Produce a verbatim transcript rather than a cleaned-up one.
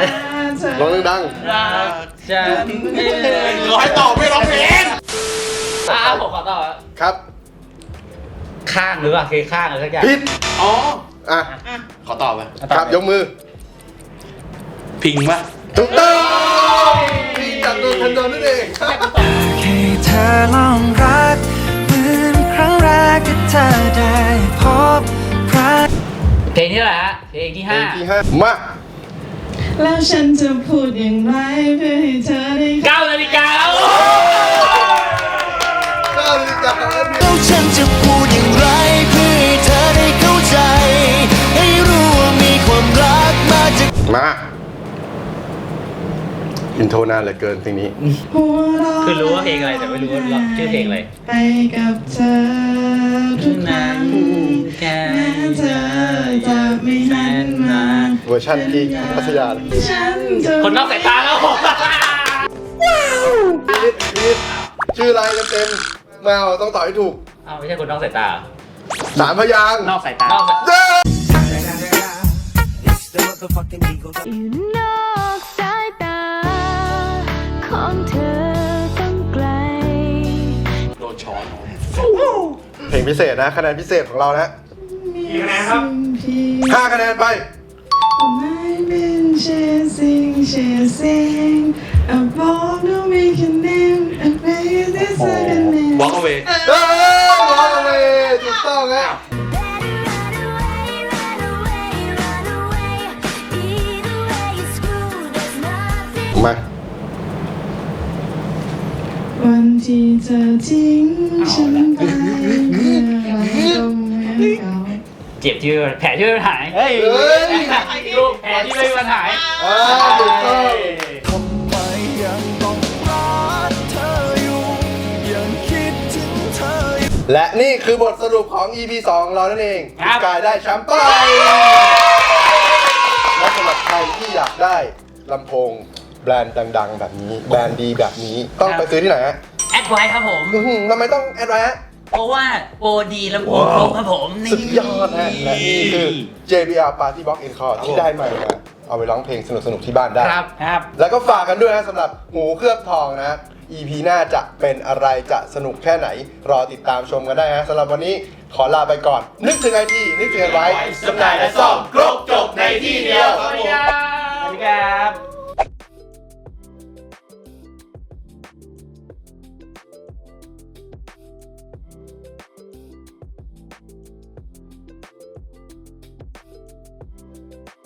เธอร้องดังรักฉันขอให้ตอบไม่ร้องเพลงอ่ะผมขอตอบๆครับข้างหรือเปล่าเคข้างอะไรสักอย่างผิดอ๋ออ่ะขอตอบไปครับยกมือพิงปะถูกต้องพี่จากดวงทันโดนนั่นเองให้เธอลองรักเหมือนครั้งแรกที่เธอได้พบรักเพลงที่เท่าไหร่ฮะเพลงที่เพลห้างที่ห้ามาแล้วฉันจะพูดอย่างไรเพื่อให้เธอได้เก้านาฬิกาแล้วก็ลิจากแล้วแล้วฉันจะพูดอย่างไรเพื่อให้เธอได้เข้าใจ ให้รู้ว่ามีความรักมาจากมาอินโทรนานเหลือเกินเพลงนี้หัวเราะคือรู้ว่าเพลงอะไรแต่ไม่รู้ว่าชื่อเพลงอะไรไปกับเธอทุกครั้งแม้เธอจะไม่หันมาเวอร์ชันที่พัทยาเลยฉันจะคนนอกสายตาแล้วพีทพีทชื่ออะไรเต็มๆมาเอาต้องตอบให้ถูกอ้าวไม่ใช่คนนอกสายตาสามพยางค์นอกสายตานอกสายเย้อยู่นอกสายตาของเธอต้องไกลโดนช้อนเพลงพิเศษนะคะแนนพิเศษของเรานะกี่คะแนนครับพี่ห้าคะแนนไป I've been chasing chasing a ball no make a name a place is second name วอล์กเอาเวเอ้ยร้องเลยถูกต้องฮะ Run away, run away, run away. Either way you screw, there's nothing. มาวันที่เธอทิ้งฉันไปเมื่อไรก็เหมือนเก่าเจ็บที่แผลที่ไม่หายเฮ้ยลูกแผลที่ไม่มีปัญหาอ่าถูกต้องทำไมยังต้องรักเธออยู่ ยังคิดถึงเธออยู่และนี่คือบทสรุปของ อี พี สองของเรานั่นเองครับกายได้แชมป์ไปและสำหรับใครที่อยากได้ลำโพงแบรนด์ดังๆ แบบนี้ แบรนด์ดีแบบนี้ต้องไปซื้อที่ไหนฮะแอดไว้ครับผมอื้อหือทำไมต้องแอดไว้ฮะเพราะว่าโปรดีลำโพงครบครับผมนี่สุดยอดฮะและนี่คือ เจ บี อาร์ Party Box Encore ที่ได้มามาเอาไปร้องเพลงสนุกๆที่บ้านได้ครับครับแล้วก็ฝากกันด้วยนะสำหรับหูเคลือบทองนะ อี พี หน้าจะเป็นอะไรจะสนุกแค่ไหน รอติดตามชมกันได้ฮะสำหรับวันนี้ขอลาไปก่อน นึกถึงไอทีนึกถึงไว้จำหน่ายและซ่อมครบจบในที่เดียวสวัสดีครับ สวัสดีครับ